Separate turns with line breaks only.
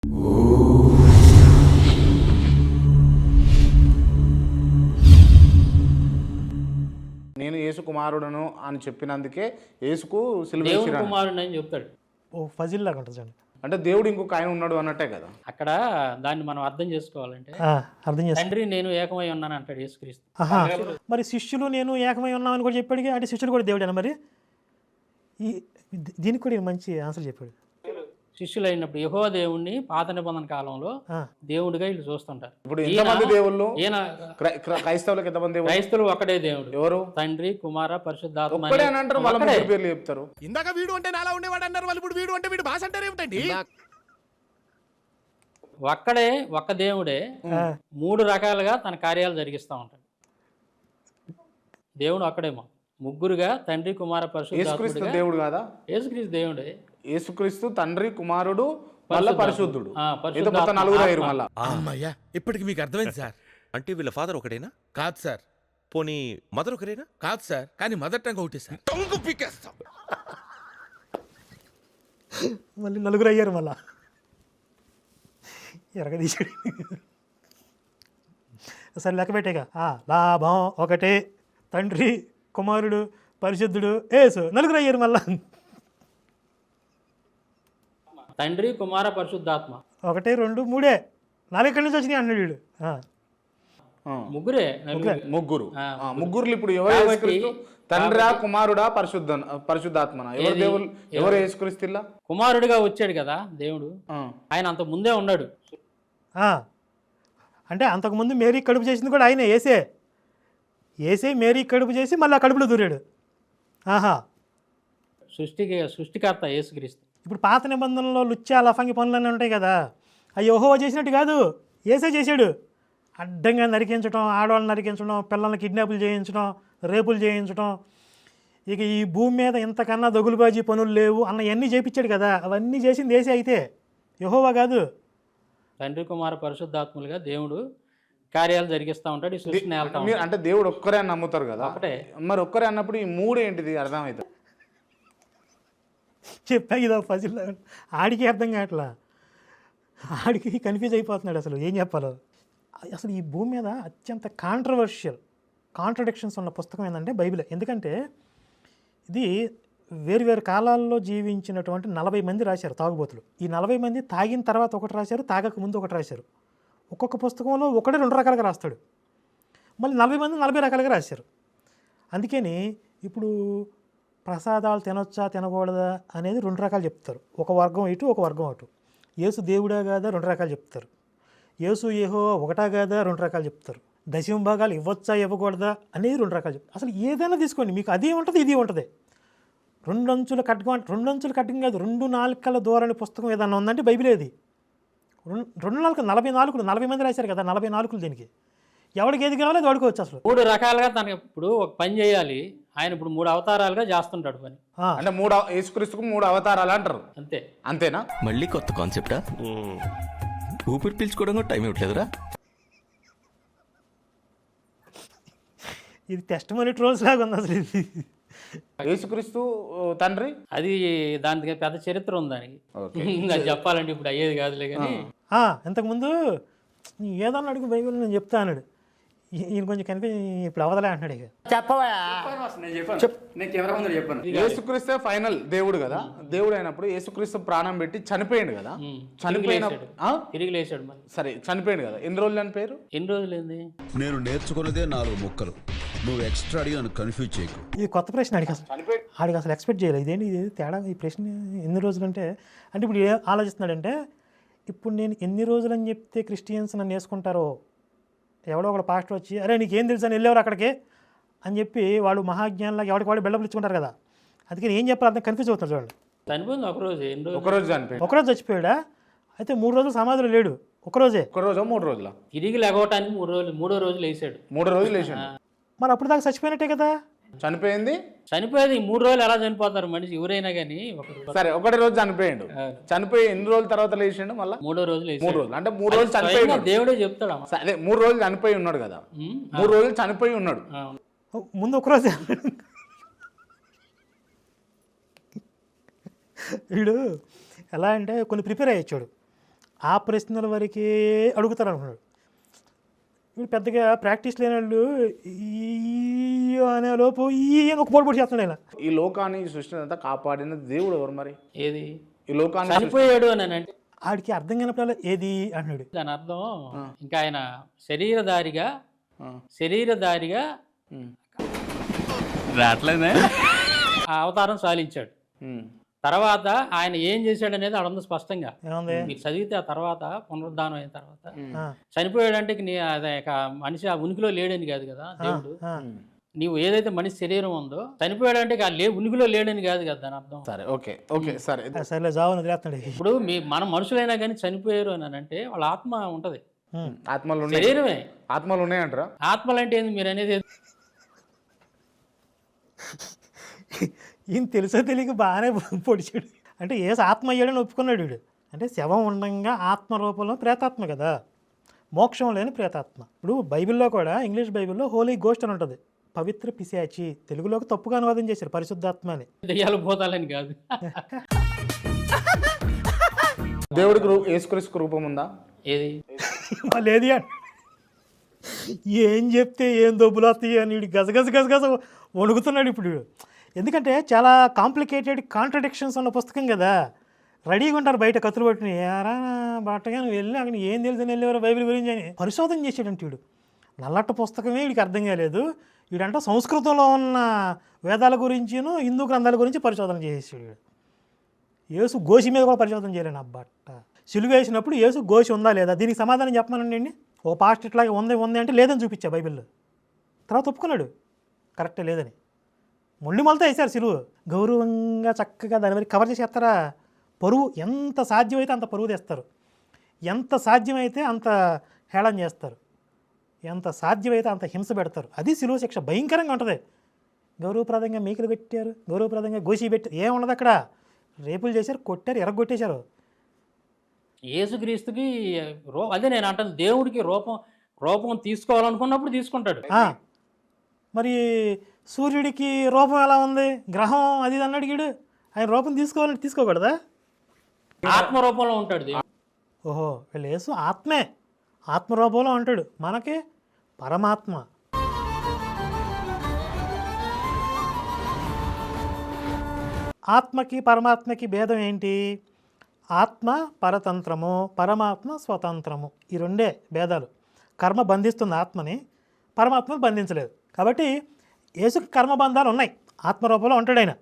నేను యేసు కుమారుడను అని చెప్పినందుకే యేసుకు సిలువ
దేవుని
వేసిర్రు
కుమారుడు అని చెప్తాడు.
ఓ ఫజిల్ లాగా ఉంటుంది చూడండి.
అంటే దేవుడు ఇంకొక ఆయన ఉన్నాడు అన్నట్టే కదా.
అక్కడ దాన్ని మనం అర్థం చేసుకోవాలంటే
అర్థం చేస్తా.
తండ్రి నేను ఏకమై ఉన్నాను అంటాడు యేసుక్రీస్తు.
ఆహా, మరి శిష్యులు నేను ఏకమై ఉన్నామని కూడా చెప్పాడు. అంటే శిష్యుడు కూడా దేవుడేనా మరి? ఈ దీనికి కూడా ఈయన మంచి ఆన్సర్ చెప్పాడు.
శిష్యులు అయినప్పుడు యెహోవా దేవుణ్ణి పాత నిబంధన కాలంలో దేవుడిగా వీళ్ళు చూస్తుంటారు.
ఇప్పుడు ఎంతమంది దేవుళ్ళు?
ఈయన
క్రైస్తవులకు ఎంతమంది దేవుళ్ళు?
క్రైస్తవులు ఒకటే దేవుడు.
ఎవరు?
తండ్రి కుమార పరిశుద్ధాత్మ
ఒక్కడే అని అంటారు, వాళ్ళ ముగ్గురు పేర్లు చెప్తారు.
ఇందాక వీడు అంటే నాలా ఉండేవాడు అన్నారు, వాళ్ళు ఇప్పుడు వీడు అంటే వీడు భాష అంటారు ఏమిటండి?
ఒక్కడే ఒక్క దేవుడే మూడు రకాలుగా తన కార్యాలు జరిగిస్తూ ఉంటాడు. దేవుడు ఒక్కడేమో ముగ్గురుగా తండ్రి కుమార
యేసుక్రీస్తు
పరిశుద్ధాత్ముడుగా.
దేవుడు కాదా?
యేసుక్రీస్తు దేవుడే.
యేసుక్రీస్తు తండ్రి కుమారుడు మళ్ళా పరిశుద్ధుడు.
పరిశుద్ధాత్మ.
ఏదో కొత్త నలుగురు అయ్యారు మళ్ళా.
అమ్మయ్యా, ఇప్పటికి మీకు అర్థమైంది సార్.
అంటే వీళ్ళ ఫాదర్ ఒకటేనా?
కాదు సార్.
పోనీ మదర్ ఒకరేనా?
కాదు సార్, కానీ మదర్ టంగ్ ఒకటి సార్. టంగు పీకేస్తాం.
మళ్ళీ నలుగురు అయ్యారు మళ్ళా. ఎరగదీశాడు. సరే లెక్క పెట్టేగా. లాభం ఒకటే, తండ్రి కుమారుడు పరిశుద్ధుడు యేసు, నలుగురు అయ్యారు మళ్ళా.
తండ్రి కుమార పరిశుద్ధాత్మ
ఒకటి రెండు మూడే, నాలుగు ఎక్కడి నుంచి వచ్చినాయి అన్నాడు వీడు.
ముగ్గురే.
ముగ్గురు. ముగ్గురు ఇప్పుడు ఎవరు? యేసుక్రీస్తు తండ్రా కుమారుడా పరిశుద్ధాత్మన? ఎవరు దేవుళ్ళు? ఎవరు యేసుక్రీస్తు? ఇలా
కుమారుడిగా వచ్చాడు కదా దేవుడు. ఆయన అంత ముందే ఉన్నాడు.
అంటే అంతకుముందు మేరీ కడుపు చేసింది కూడా ఆయనే, ఏసే మేరీ కడుపు చేసి మళ్ళీ ఆ కడుపులో దూరాడు. ఆహా,
సృష్టికర్త యేసుక్రీస్తు.
ఇప్పుడు పాత నిబంధనలో లుచ్చా లఫంగి పనులన్నీ ఉంటాయి కదా, అవి యెహోవా చేసినట్టు కాదు, ఏసే చేశాడు. అడ్డంగా నరికించడం, ఆడవాళ్ళని నరికించడం, పిల్లల్ని కిడ్నాపులు చేయించడం, రేపులు చేయించడం, ఇక ఈ భూమి మీద ఇంతకన్నా దగులుబాజీ పనులు లేవు అన్నవన్నీ చేయించాడు కదా. అవన్నీ చేసింది ఏసే అయితే, యెహోవా కాదు.
తండ్రి కుమార పరిశుద్ధాత్ములుగా దేవుడు కార్యాలు జరిగిస్తూ ఉంటాడు. ఈ సృష్టిని వెళ్తా
మీరు అంటే దేవుడు ఒక్కరే అని నమ్ముతారు కదా.
ఒకటే.
మరి ఒక్కరే అన్నప్పుడు ఈ మూడు ఏంటిది అర్థమవుతుంది?
చెప్పా ఇదో ఫజిల్. ఆడికి అర్థం కావట్లా, ఆడికి కన్ఫ్యూజ్ అయిపోతున్నాడు అసలు ఏం చెప్పాలో. అసలు ఈ భూమి మీద అత్యంత కాంట్రడిక్షన్స్ ఉన్న పుస్తకం ఏంటంటే బైబిల్. ఎందుకంటే ఇది వేరు కాలాల్లో జీవించినటువంటి 40 మంది రాశారు తాగుబోతులు. ఈ 40 మంది తాగిన తర్వాత ఒకటి రాశారు, తాగక ముందు ఒకటి రాశారు. ఒక్కొక్క పుస్తకంలో ఒకటే 2 రకాలుగా రాస్తాడు. మళ్ళీ 40 మంది 40 రకాలుగా రాశారు. అందుకని ఇప్పుడు ప్రసాదాలు తినొచ్చా తినకూడదా అనేది 2 రకాలు చెప్తారు. ఒక వర్గం ఇటు, ఒక వర్గం అటు. యేసు దేవుడా కాదా 2 రకాలు చెప్తారు. యేసు యెహోవా ఒకటా కాదా 2 రకాలు చెప్తారు. దశమ భాగాలు ఇవ్వచ్చా ఇవ్వకూడదా అనేది 2 రకాలు చెప్తారు. అసలు ఏదైనా తీసుకోండి, మీకు అది ఉంటుంది ఇది ఉంటుంది. 2 అంచుల ఖడ్గం కాదు, 2 నాలుకల ధోరణి పుస్తకం ఏదన్నా ఉందంటే బైబిలే అది. 2 నాలుగు 40 మంది రాశారు కదా, 40 నాలుకలు దీనికి. ఎవరికి ఏది కావాలో అది వాడుకోవచ్చు. అసలు
3 రకాలుగా తనకి ఇప్పుడు ఒక పని చేయాలి. ఆయన ఇప్పుడు 3 అవతారాలుగా చేస్తుంటాడు పని.
అంటే యేసుక్రీస్తుకు 3 అవతారాలు అంటారు.
అంతే.
అంతేనా?
మళ్ళీ కొత్త కాన్సెప్టా? ఊపిరి పీల్చుకోవడం కూడా టైం ఇవ్వట్లేదురా.
ఇది టెస్ట్ మనీ ట్రోల్స్ లాగా ఉంది అసలు. ఇది
యేసుక్రీస్తు తండ్రి
అది దానికి పెద్ద చరిత్ర ఉంది దానికి. అది చెప్పాలంటే ఇప్పుడు అయ్యేది కాదులే కానీ.
ఇంతకుముందు ఏదన్నా అడుగు బైబిల్ నేను చెప్తా అన్నాడు. ఈయన కొంచెం కనిపి ఇప్పుడు అవదలే అంటున్నాడు. ఇక
యేసుక్రీస్తే ఫైనల్ దేవుడు కదా. దేవుడు అయినప్పుడు యేసుక్రీస్తు ప్రాణం పెట్టి చనిపోయింది కదా.
తిరిగి లేచాడు మరి.
సరే చనిపోయింది కదా, ఎన్ని రోజులు చనిపోయారు?
ఎన్ని రోజులు ఏంది?
నేను నేర్చుకున్నదే 4 ముక్కలు. నువ్వు ఎక్స్ట్రా అడిగి నన్ను కన్ఫ్యూజ్ చేయకు.
ఇది కొత్త ప్రశ్న. ఆడికి అసలు ఎక్స్పెక్ట్ చేయలేదు. ఇదేంటి ఇది తేడా, ఈ ప్రశ్న ఎన్ని రోజులు అంటే ఇప్పుడు ఏం ఆలోచిస్తున్నాడంటే, ఇప్పుడు నేను ఎన్ని రోజులు అని చెప్తే క్రిస్టియన్స్ నన్ను వేసుకుంటారో, ఎవడో ఒకడు పాస్టర్ వచ్చి అరే నీకేం తెలుసు అని వెళ్ళేవారు అక్కడికి అని చెప్పి వాళ్ళు మహాజ్ఞానంలాగా ఎవరికి వాడు బిల్డప్లు ఇచ్చుకుంటారు కదా. అందుకని ఏం చెప్పాలి అర్థం కన్ఫ్యూజ్ అవుతున్నారు చూడండి.
చనిపోయింది ఒకరోజు.
ఒకరోజు చనిపోయింది.
ఒకరోజు చచ్చిపోయాడా? అయితే 3 రోజులు సమాధిలో లేడు, ఒకరోజే.
ఒకరోజు 3 రోజుల
తిరిగి లేవటానికి 3 రోజులు, 3వ రోజు లేచాడు.
3 రోజులు లేచాడు.
మరి అప్పుడు దాకా చచ్చిపోయినట్టే కదా.
చనిపోయింది
3 రోజులు ఎలా చనిపోతారు మనిషి ఎవరైనా కానీ.
సరే ఒకటి రోజు చనిపోయిండు. చనిపోయి ఎన్ని రోజుల తర్వాత లేచిండు? మళ్ళీ
3వ రోజు లేచాడు.
3 రోజులు అంటే 3 రోజులు చనిపోయి
దేవుడే చెప్తాడు.
అదే 3 రోజులు చనిపోయి ఉన్నాడు కదా. 3 రోజులు చనిపోయి ఉన్నాడు.
ముందు ఒకరోజే. వీడు ఎలా అంటే కొన్ని ప్రిపేర్ అయ్యొచ్చాడు. ఆ ప్రశ్నల వరకే అడుగుతారు అనుకున్నాడు. వీడు పెద్దగా ప్రాక్టీస్ లేని వాళ్ళు ఈ అనే లోపు ఈ అని ఒక పోటీ చేస్తున్నాడు ఇలా.
ఈ లోకాన్ని ఈ సృష్టిని అంతా కాపాడిన దేవుడు ఎవరు మరి?
ఏది
ఈ లోకాన్ని
చనిపోయాడు అని అంటే
ఆడికి అర్థం కానప్పుడు ఏది అంటున్నాడు.
దాని అర్థం ఇంకా ఆయన శరీరధారిగా
రావట్లేదే
ఆ అవతారం సాలించాడు. తర్వాత ఆయన ఏం చేశాడు అనేది అక్కడ ఉంది స్పష్టంగా.
ఏముంది?
మీరు చదివితే ఆ తర్వాత పునరుద్ధానం అయిన తర్వాత
ఆ,
చనిపోయాడంటే అదే మనిషి ఆ ఉనికిలో లేడని కాదు కదా దేవుడు.
ఆ.
నీవు ఏదైతే మనిషి శరీరం ఉందో చనిపోయాడంటే ఉనికిలో లేడని కాదు కదా దాని అర్థం.
సరే ఓకే ఓకే సరే.
సరేలే జావు వదిలేస్తున్నాడు.
ఇప్పుడు మనం మనుషులైనా కానీ చనిపోయారు అని అంటే వాళ్ళ ఆత్మ ఉంటది,
ఆత్మలు ఉన్నాయి,
శరీరమే.
ఆత్మలు ఉన్నాయంటారా?
ఆత్మలు అంటే ఏంది మీరు అనేది?
ఈయన తెలుసో తెలియక బాగానే పొడిచాడు. అంటే ఏసు ఆత్మ అయ్యాడని ఒప్పుకున్నాడు వీడు. అంటే శవం ఉండంగా ఆత్మ రూపంలో ప్రేతాత్మ కదా, మోక్షం లేని ప్రేతాత్మ. ఇప్పుడు బైబిల్లో కూడా ఇంగ్లీష్ బైబిల్లో హోలీ గోస్ట్ అని ఉంటుంది, పవిత్ర పిశాచి. తెలుగులోకి తప్పుగా అనువాదం చేశారు పరిశుద్ధాత్మ అని.
దెయ్యాలు భూతాలని కాదు.
దేవుడికి యేసుక్రీస్తుకు రూపం ఉందా?
ఏది
లేదు ఏం చెప్తే ఏం దొబ్బులు వస్తాయి అని వీడు గజగజ వణుకుతున్నాడు ఇప్పుడు వీడు. ఎందుకంటే చాలా కాంప్లికేటెడ్ కాంట్రడిక్షన్స్ ఉన్న పుస్తకం కదా. రెడీగా ఉంటారు బయట కత్తులు పట్టుకుని, ఎరా బట్టగా నువ్వు వెళ్ళి అక్కడ ఏం తెలుసు వెళ్ళేవారు బైబిల్ గురించి అని పరిశోధన చేసాడంటే వీడు. నల్లట్ట పుస్తకమే వీడికి అర్థం కాలేదు. వీడంట సంస్కృతంలో ఉన్న వేదాల గురించిను హిందూ గ్రంథాల గురించి పరిశోధన చేసేసాడు వీడు. యేసు గోసి మీద కూడా పరిశోధన చేయలేను. అబ్బట్ట సిలువ వేసినప్పుడు యేసు గోసి ఉందా లేదా, దీనికి సమాధానం చెప్పమనండి. ఓ పాస్ట్ ఇట్లాగే ఉంది అంటే లేదని చూపించా బైబిల్లో. తర్వాత ఒప్పుకున్నాడు కరెక్టే లేదని. మొండి మొలతో వేశారు సిలువ. గౌరవంగా చక్కగా దాని మీద కవర్ చేసి వేస్తారా? పరువు ఎంత సాధ్యమైతే అంత పరువు తెస్తారు, ఎంత సాధ్యమైతే అంత హేళన చేస్తారు, ఎంత సాధ్యమైతే అంత హింస పెడతారు. అది సిలువ శిక్ష భయంకరంగా ఉంటుంది. గౌరవప్రదంగా మీకులు పెట్టారు, గౌరవప్రదంగా గోసి పెట్టారు, ఏముండదు అక్కడ. రేపులు చేశారు, కొట్టారు, ఎరగొట్టేశారు.
యేసుక్రీస్తుకి అదే నేను అంటాను, దేవుడికి రూపం తీసుకోవాలనుకున్నప్పుడు తీసుకుంటాడు.
మరి సూర్యుడికి రూపం ఎలా ఉంది, గ్రహం అది అన్నాడు గీడు. ఆయన రూపం తీసుకోవాలంటే తీసుకోకూడదా?
ఆత్మ రూపంలో ఉంటాడు దేవుడు.
ఓహో, వీళ్ళు యేసు ఆత్మే, ఆత్మరూపంలో ఉంటాడు. మనకి పరమాత్మ. ఆత్మకి పరమాత్మకి భేదం ఏంటి? ఆత్మ పరతంత్రము, పరమాత్మ స్వతంత్రము. ఈ రెండే భేదాలు. కర్మ బంధిస్తుంది ఆత్మని, పరమాత్మను బంధించలేదు. కాబట్టి యేసుకి కర్మబంధాలు ఉన్నాయి, ఆత్మరూపంలో ఉంటాడు ఆయన.